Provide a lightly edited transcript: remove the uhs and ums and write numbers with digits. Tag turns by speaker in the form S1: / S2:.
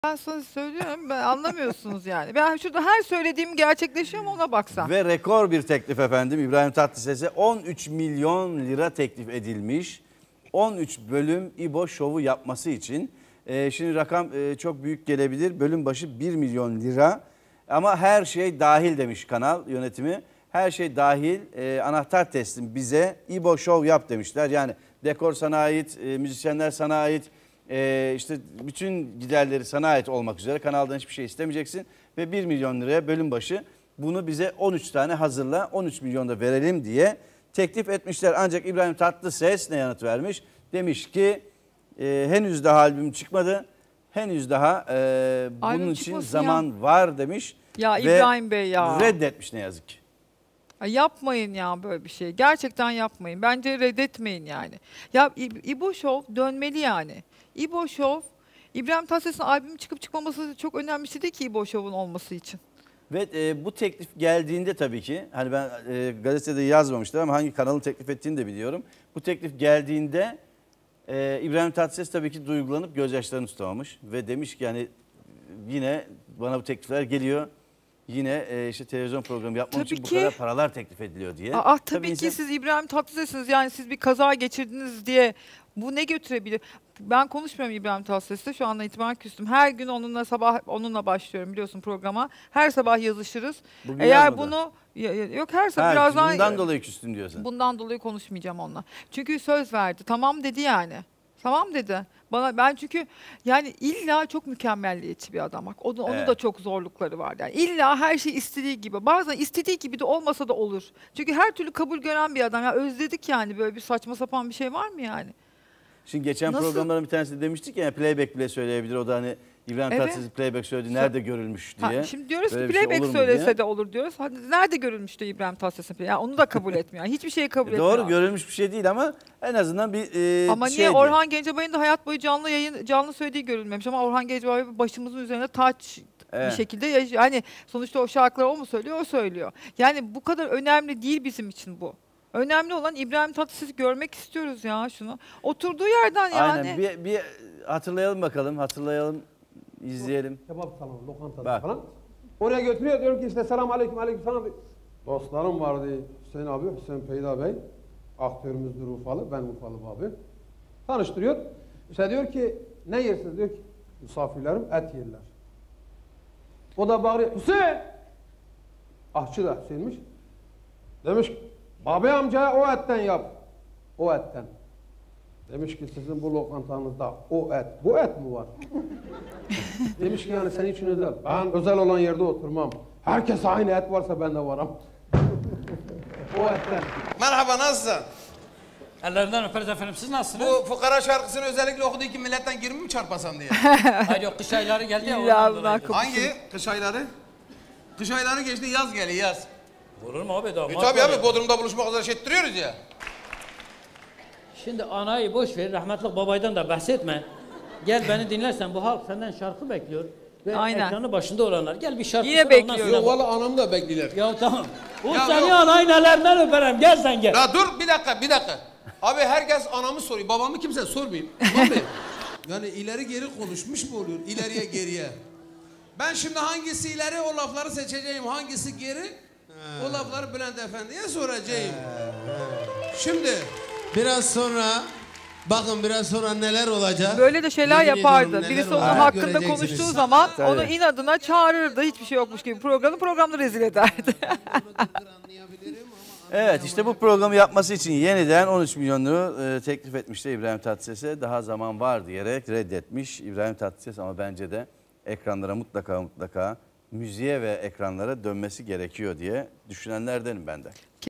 S1: Ben sana söylüyorum, ben anlamıyorsunuz yani. Ben şurada her söylediğim gerçekleşiyor mu ona baksan.
S2: Ve rekor bir teklif efendim. İbrahim Tatlıses'e 13 milyon lira teklif edilmiş. 13 bölüm İbo şovu yapması için. Şimdi rakam çok büyük gelebilir. Bölüm başı 1 milyon lira. Ama her şey dahil demiş kanal yönetimi. Her şey dahil, anahtar teslim bize, İbo şov yap demişler. Yani dekor sana ait, müzisyenler sana ait. İşte bütün giderleri sana ait olmak üzere kanaldan hiçbir şey istemeyeceksin. Ve 1 milyon liraya bölüm başı bunu bize 13 tane hazırla, 13 milyon da verelim diye teklif etmişler. Ancak İbrahim Tatlıses ne yanıt vermiş? Demiş ki henüz daha albüm çıkmadı. Henüz daha bunun için zaman var demiş.
S1: Ya İbrahim Bey ya.
S2: Reddetmiş ne yazık ki.
S1: Yapmayın ya böyle bir şey. Gerçekten yapmayın. Bence reddetmeyin yani. Ya İbo Show dönmeli yani. İbo Show, İbrahim Tatlıses'in albüm çıkıp çıkmaması çok önemli bir şey değil ki İbo Show'un olması için.
S2: Ve bu teklif geldiğinde tabii ki hani ben gazetede yazmamıştım ama hangi kanalın teklif ettiğini de biliyorum. Bu teklif geldiğinde İbrahim Tatlıses tabii ki duygulanıp gözyaşlarını tutamamış ve demiş ki yani yine bana bu teklifler geliyor. Yine işte televizyon programı yapmam için bu kadar paralar teklif ediliyor diye.
S1: Tabii ki siz İbrahim Tatlıses'siniz. Yani siz bir kaza geçirdiniz diye bu ne götürebilir? Ben konuşmuyorum İbrahim Tatlıses'le. Şu andan itibaren küstüm. Her gün onunla başlıyorum biliyorsun programa. Her sabah yazışırız.
S2: Bugün
S1: Eğer
S2: yazmadı.
S1: bunu yok her sabah birazdan
S2: bundan dolayı küstüm diyorsun.
S1: Bundan dolayı konuşmayacağım onunla. Çünkü söz verdi. Tamam dedi yani. Tamam dedi. Ben çünkü yani illa çok mükemmelliyetçi bir adam. Bak onun da çok zorlukları var. Yani illa her şey istediği gibi. Bazen istediği gibi de olmasa da olur. Çünkü her türlü kabul gören bir adam. Ya özledik yani böyle bir saçma sapan bir şey var mı yani?
S2: Şimdi geçen programların bir tanesinde demiştik ya playback bile söyleyebilir. O da hani İbrahim Tatlıses playback söyledi. Nerede görülmüş diye.
S1: Şimdi diyoruz
S2: böyle
S1: ki
S2: playback
S1: şey söylese de olur diyoruz. Nerede görülmüştü İbrahim Tatlıses'in? Yani onu da kabul etmiyor. Yani hiçbir şeyi kabul etmiyor.
S2: Doğru görülmüş bir şey değil ama en azından bir
S1: ama niye Orhan Gencebay'ın da hayat boyu canlı söylediği görülmemiş ama Orhan Gencebay başımızın üzerine taç bir şekilde yani sonuçta o şarkıları o mu söylüyor, o söylüyor. Yani bu kadar önemli değil bizim için bu. Önemli olan İbrahim Tatlıses'i görmek istiyoruz ya şunu. Oturduğu yerden yani.
S2: Aynen bir hatırlayalım bakalım, izleyelim.
S3: Kebap salonu, lokantası falan. Oraya götürüyor, diyorum ki işte selam aleyküm selam. Dostlarım vardı, Hüseyin abi, Hüseyin Peyda Bey. Aktörümüzdür Urfalı, ben Urfalı abi. Tanıştırıyor. İşte diyor ki ne yersiniz? Diyor ki misafirlerim et yerler. O da bağırıyor, Hüseyin! Ahçı da Hüseyin'miş. Demiş ki, Babi amcaya o etten yap. O etten. Demiş ki sizin bu lokantanızda o et, bu et mi var? Demiş ki yani senin için özel. Ben özel olan yerde oturmam. Herkes aynı et varsa ben de varım. O etten.
S4: Merhaba, nasılsın?
S5: Ellerinden öperiz efendim. Siz nasılsınız?
S4: Bu fukara şarkısını özellikle okuduğu ki milletten 20 mi çarpasam diye.
S5: Hayır yok, kış ayları geldi ya.
S4: Hangi? Kış ayları? Kış ayları geçti, yaz geliyor, yaz.
S5: Vurur mu abi?
S4: Tabii abi, Bodrum'da buluşmak üzere şey ettiriyoruz ya.
S5: Şimdi anayı boş ver, rahmetli babaydan da bahsetme. Gel beni dinlersen, bu halk senden şarkı bekliyor. Ve ekranı başında olanlar. Gel bir şarkı
S1: yine bekliyor.
S4: Yok valla anam da bekliyor.
S5: Ya tamam. O seni anayı nelerinden öperim. Gel sen gel.
S4: Ya dur bir dakika. Abi herkes anamı soruyor. Babamı kimse sormayayım. Tamam mı? Yani ileri geri konuşmuş mu oluyor? İleriye geriye. Ben şimdi hangisi ileri o lafları seçeceğim. Hangisi geri? O lafları Bülent Efendi'ye soracağım. Şimdi
S6: biraz sonra neler olacak?
S1: Böyle de şeyler yapardı. Birisi onun hakkında
S6: göreceksiniz.
S1: konuştuğu zaman onu inadına çağırırdı. Hiçbir şey yokmuş gibi programda rezil ederdi.
S2: Evet işte bu programı yapması için yeniden 13 milyon lira teklif etmişti İbrahim Tatlıses'e. Daha zaman var diyerek reddetmiş İbrahim Tatlıses ama bence de ekranlara mutlaka müziğe ve ekranlara dönmesi gerekiyor diye düşünenlerdenim ben de.